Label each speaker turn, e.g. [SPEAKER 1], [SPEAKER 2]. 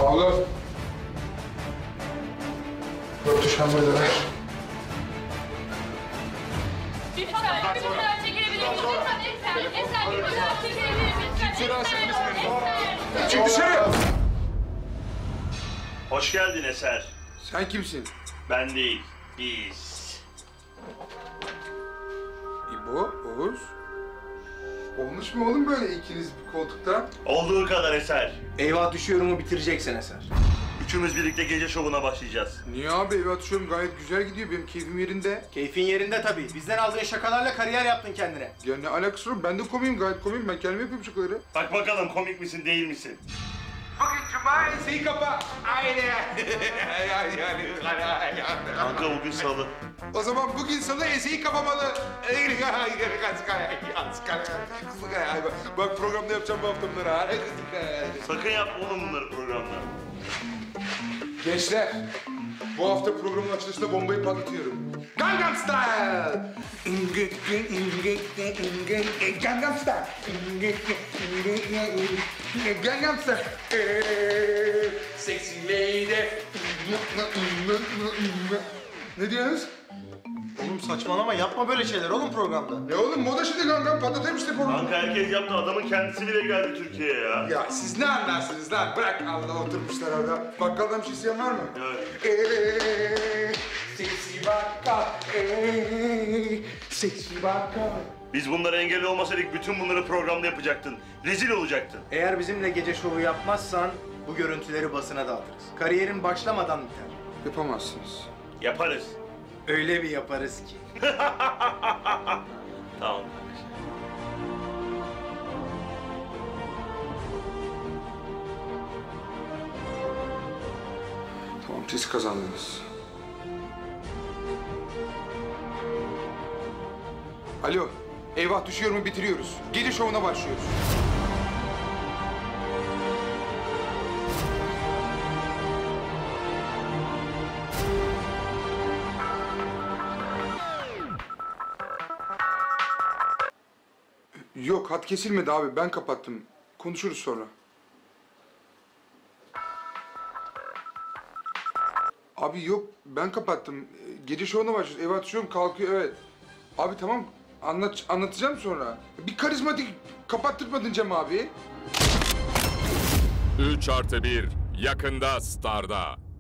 [SPEAKER 1] Sağ olun. 4 şambayı da ver.
[SPEAKER 2] Bir fotoğraf çekilebilir miyiz? Lütfen Eser bir fotoğraf çekilebilir miyiz?
[SPEAKER 1] Kimse rahatsız etmesin. Çık dışarı!
[SPEAKER 3] Hoş geldin Eser.
[SPEAKER 1] Sen kimsin?
[SPEAKER 3] Ben değil, biz.
[SPEAKER 1] İbo, Oğuz. Olmuş mu oğlum böyle ikiniz bir koltukta?
[SPEAKER 3] Olduğu kadar Eser.
[SPEAKER 4] Eyvah düşüyorumu bitireceksin Eser.
[SPEAKER 3] Üçümüz birlikte gece şovuna başlayacağız.
[SPEAKER 1] Niye abi eve atışıyorum gayet güzel gidiyor benim keyfim yerinde.
[SPEAKER 4] Keyfin yerinde tabii. Bizden aldığın şakalarla kariyer yaptın kendine.
[SPEAKER 1] Ya ne alakası var ben de komiyim gayet komiyim ben kendim yapıyorum şakaları.
[SPEAKER 3] Bak bakalım komik misin değil misin?
[SPEAKER 1] Bugün cuma enseyi kapa. Aynen.
[SPEAKER 3] Kanka bugün salı.
[SPEAKER 1] O zaman bugün salı enseyi kapamalı. Bak programda yapacağım bu hafta bunları.
[SPEAKER 3] Sakın yapma oğlum bunları programda.
[SPEAKER 1] Gençler, bu hafta programın açılışında bombayı patlatıyorum. Gangnam Style! Gangnam Style! Gangnam Style! Sexy lady! Ne diyorsunuz?
[SPEAKER 4] Oğlum saçmalama yapma böyle şeyler oğlum programda.
[SPEAKER 1] Ne oğlum moda şimdi Gangnam patlatayım işte programı.
[SPEAKER 3] Kanka herkes yaptı, adamın kendisi bile geldi Türkiye'ye ya.
[SPEAKER 1] Ya siz ne anlarsınız lan? Bırak Allah oturmuşlar orada. Bakkaldan bir şey isteyen var mı?
[SPEAKER 3] Evet.
[SPEAKER 1] Sexy bakkal, sexy bakkal.
[SPEAKER 3] Biz bunlara engel olmasaydık bütün bunları programda yapacaktın. Rezil olacaktın.
[SPEAKER 4] Eğer bizimle gece şovu yapmazsan bu görüntüleri basına dağıtırız. Kariyerin başlamadan biter.
[SPEAKER 1] Yapamazsınız.
[SPEAKER 3] Yaparız.
[SPEAKER 4] Öyle bir yaparız ki.
[SPEAKER 3] Tamam.
[SPEAKER 1] Tamam siz kazandınız. Alo, eyvah düşüyorumu bitiriyoruz. Gece şovuna başlıyoruz. Yok, hat kesilmedi abi. Ben kapattım. Konuşuruz sonra. Abi yok, ben kapattım. Gece şovuna başlıyoruz. Eve atışıyorum, kalkıyor, evet. Abi tamam, anlatacağım sonra. Bir karizmatik kapattırmadın Cem abi.
[SPEAKER 5] 3+1 yakında Star'da.